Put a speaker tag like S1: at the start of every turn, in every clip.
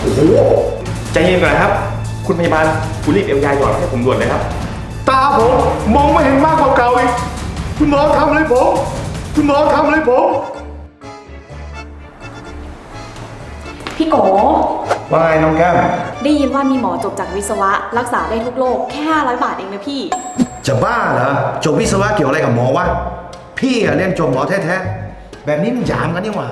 S1: โอ้โหใจเย็นก่อนนะครับคุณพยาบาลคุณรีบเอายาหยอดให้ผมด่วนเลยครับ
S2: ตาผมมองไม่เห็นมากกว่าเก่าอีกคุณหมอทำอะไรผมคุณหมอทำอะไรผม
S3: พี่โก
S2: ว่าไงน้องแก้ม
S3: ได้ยินว่ามีหมอจบจากวิศวะรักษาได้ทุกโรคแค่500 บาทเองนะพี่
S2: จะบ้าเหรอจบวิศวะเกี่ยวอะไรกับหมอวะพี่เรียนจบหมอแท้ๆแบบนี้มันหยามกันนี่หว่า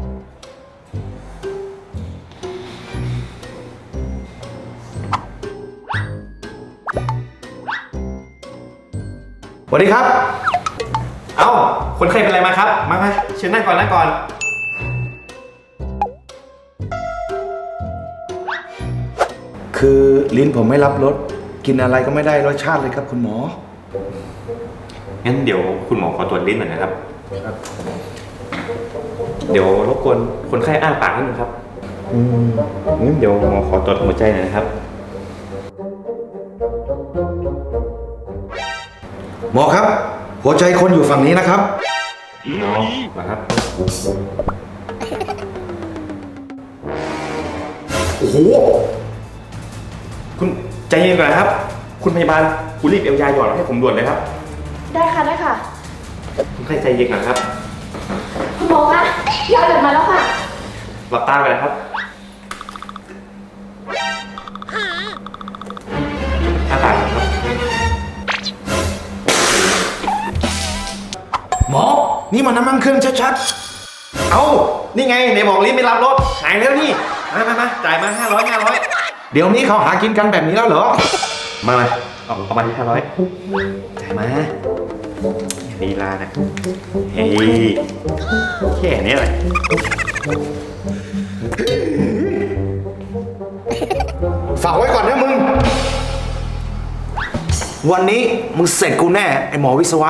S2: สวัสดีครับ
S1: เอ้าคนไข้เป็นอะไรมาครับมาเชิญนั่งก่อนนั่งก่อน
S2: คือลิ้นผมไม่รับรสกินอะไรก็ไม่ได้รสชาติเลยครับคุณหมอ
S1: งั้นเดี๋ยวคุณหมอขอตรวจลิ้นหน่อยนะครับเดี๋ยวรบกวนคนไข้อ้าปากนิดนึงครับงั้นเดี๋ยวหมอขอตรวจหัวใจหน่อยนะครับ
S2: หมอครับหัวใจคนอยู่ฝั่งนี้นะครับ
S1: หมอมาครับ
S2: โอ้โห
S1: คุณใจเย็นก่อนนะครับคุณพยาบาลคุณรีบเอายาหยอดให้ผมด่วนเลยครับ
S3: ได้ค่ะได้ค่ะ
S1: คุณไข้ใจเย็นก่อนครับ
S3: คุณหมอคะยาหยดมาแล้วค่ะ
S1: หลับตาไปเลยครับอ้าปากครับ
S2: หมอนี่มันน้ำมันเครื่องชัด
S1: เอ้านี่ไงในบอกลิ้นไม่รับรสหายแล้วนี่มาจ่ายมา500
S2: ๆเดี๋ยวนี้เขาหากินกันแบบนี้แล้วเหรอ
S1: มาเอามาที่500จ่ายมาลีลานะเฮ้ยแค่นี้แหละ
S2: ฝากไว้ก่อนนะมึงวันนี้มึงเสร็จกูแน่ไอหมอวิศวะ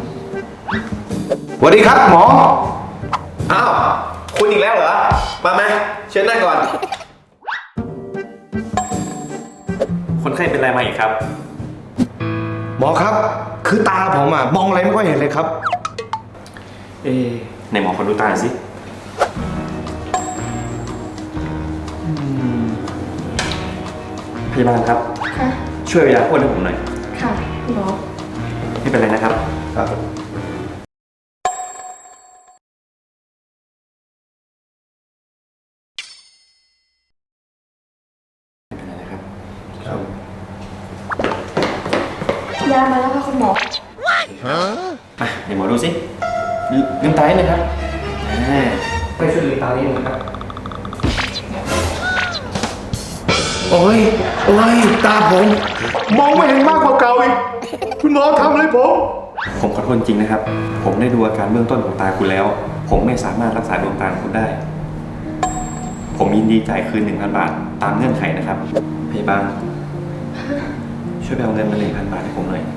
S2: สวัสดีครับหมอ
S1: อ้าวคุณอีกแล้วเหรอมาเชิญนั่งก่อนคนไข้เป็นอะไรมาอีกครับ
S2: หมอครับคือตาผมมองอะไรไม่ค่อยเห็นเลยครับ
S1: ในหมอขอดูตาสิพยาบาลครับ
S3: ค่ะ
S1: ช่วยเวลาพ่นให้ผมหน่อย
S3: ค่ะคุณหมอ
S1: ไม่เป็นไรนะครับ
S2: ครับ
S3: ยามาแล้วค่ะคุณหมอ
S1: เดี๋ยวหมอดูสิลืมตาให้เลยครับไปช่วยลืมตาให้หน่อยครับ
S2: โอ้ยตาผมมองไม่เห็นมากกว่าเก่าอีกคุณหมอทำอะไร
S1: ผมขอโทษจริงนะครับผมได้ดูอาการเบื้องต้นของตาคุณแล้วผมไม่สามารถรักษาดวงตาของคุณได้ผมยินดีจ่ายคืน 1,000 บาทตามเงื่อนไขนะครับพยาบาลช่วยไปเอาเงินมา 1,000 บาทให้ผมหน่อย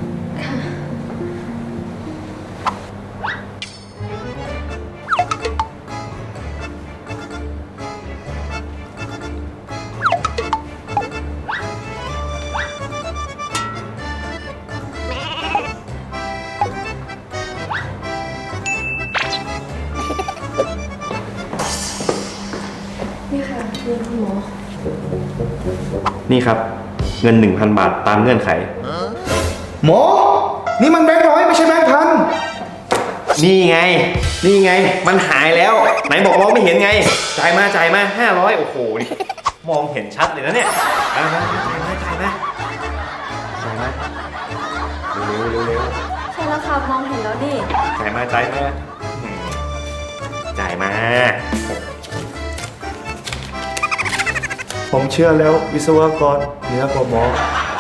S3: นี่ค่ะเงินคุณหมอ
S1: นี่ครับเงิน 1,000 บาทตามเงื่อนไข
S2: หมอนี่มันแบงค์ร้อยไม่ใช่แบงค์พัน
S1: นี่ไงมันหายแล้วไหนบอกมองไม่เห็นไงจ่ายมา500โอ้โหนี่มองเห็นชัดเลยนะเนี่ยจ่ายมาเร็ว
S3: ใช่แล้วค่ะมองเห็นแล้วดิ
S1: จ่ายมา
S2: ผมเชื่อแล้ววิศวกรเหนือกว่าหมอ